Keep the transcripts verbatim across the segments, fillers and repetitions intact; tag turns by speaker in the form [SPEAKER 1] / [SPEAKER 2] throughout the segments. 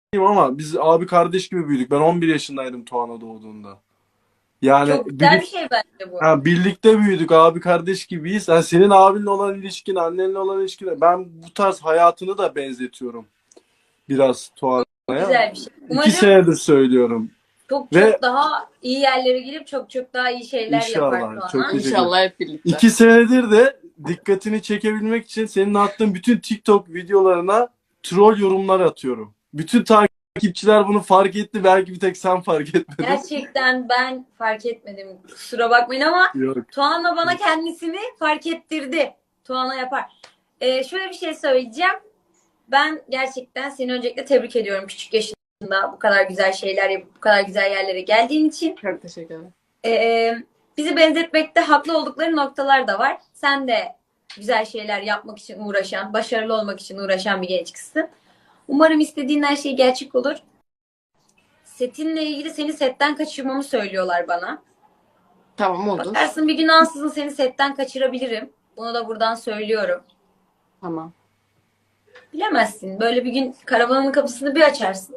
[SPEAKER 1] ama biz abi kardeş gibi büyüdük. Ben on bir yaşındaydım Tuana doğduğunda. Yani
[SPEAKER 2] Çok güzel bir
[SPEAKER 1] birlik,
[SPEAKER 2] şey bence bu.
[SPEAKER 1] ha, birlikte büyüdük, abi kardeş gibiyiz. Yani senin abinle olan ilişkin, annenle olan ilişkin, ben bu tarz hayatını da benzetiyorum biraz
[SPEAKER 2] Çok
[SPEAKER 1] Tuana'ya.
[SPEAKER 2] güzel bir şey.
[SPEAKER 1] İki
[SPEAKER 2] Umarım
[SPEAKER 1] senedir söylüyorum.
[SPEAKER 2] çok
[SPEAKER 1] Ve
[SPEAKER 2] çok daha iyi yerlere gelip çok çok daha iyi şeyler yapar
[SPEAKER 1] inşallah, çok
[SPEAKER 2] Tuana.
[SPEAKER 1] teşekkür ederim.
[SPEAKER 3] İnşallah hep birlikte.
[SPEAKER 1] İki senedir de dikkatini çekebilmek için senin attığın bütün TikTok videolarına troll yorumlar atıyorum. Bütün takipçiler bunu fark etti. Belki bir tek sen fark etmedin.
[SPEAKER 2] Gerçekten ben fark etmedim. Kusura bakmayın ama
[SPEAKER 1] Yok.
[SPEAKER 2] Tuana bana kendisini fark ettirdi. Tuana yapar. Ee, şöyle bir şey söyleyeceğim. Ben gerçekten seni öncelikle tebrik ediyorum küçük yaşında bu kadar güzel şeyler yapıp bu kadar güzel yerlere geldiğin için.
[SPEAKER 3] Çok teşekkür ederim.
[SPEAKER 2] Ee, bizi benzetmekte haklı oldukları noktalar da var. Sen de güzel şeyler yapmak için uğraşan, başarılı olmak için uğraşan bir genç kızsın. Umarım istediğin her şey gerçek olur. Setinle ilgili seni setten kaçırmamı söylüyorlar bana.
[SPEAKER 3] Tamam olur.
[SPEAKER 2] Bakarsın bir gün ansızın seni setten kaçırabilirim. Bunu da buradan söylüyorum.
[SPEAKER 3] Tamam.
[SPEAKER 2] Bilemezsin. Böyle bir gün karavanın kapısını bir açarsın.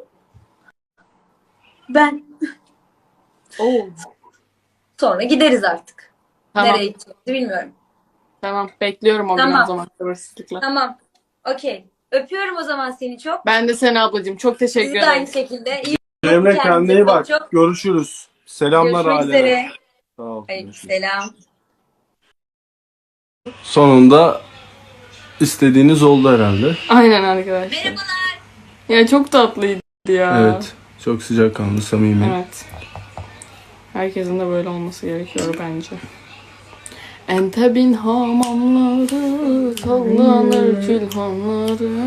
[SPEAKER 2] Ben.
[SPEAKER 3] Oo.
[SPEAKER 2] Sonra gideriz artık.
[SPEAKER 3] Tamam.
[SPEAKER 2] Nereye gideceğimizi bilmiyorum.
[SPEAKER 3] Tamam. Bekliyorum o gün
[SPEAKER 2] Tamam.
[SPEAKER 3] o zaman sabırsızlıkla.
[SPEAKER 2] Tamam. Okey. Öpüyorum o zaman seni çok.
[SPEAKER 3] Ben de seni ablacığım. Çok teşekkür
[SPEAKER 2] Sizi de aynı
[SPEAKER 3] ederim.
[SPEAKER 2] şekilde. İyi
[SPEAKER 1] Cemre,
[SPEAKER 2] bakın
[SPEAKER 1] kendine
[SPEAKER 2] kendinize
[SPEAKER 1] iyi
[SPEAKER 2] çok
[SPEAKER 1] bak.
[SPEAKER 2] çok.
[SPEAKER 1] Görüşürüz. Selamlar
[SPEAKER 2] Görüşmek
[SPEAKER 1] ailene.
[SPEAKER 2] üzere.
[SPEAKER 1] Sağ ol.
[SPEAKER 2] Aleykümselam.
[SPEAKER 1] Sonunda istediğiniz oldu herhalde.
[SPEAKER 3] Aynen arkadaşlar.
[SPEAKER 2] Merhabalar.
[SPEAKER 3] Ya çok tatlıydı ya.
[SPEAKER 1] Evet. Çok sıcakkanlı, samimi.
[SPEAKER 3] Evet. Herkesin de böyle olması gerekiyor bence. Entebin hamamları, sallanır külhanları.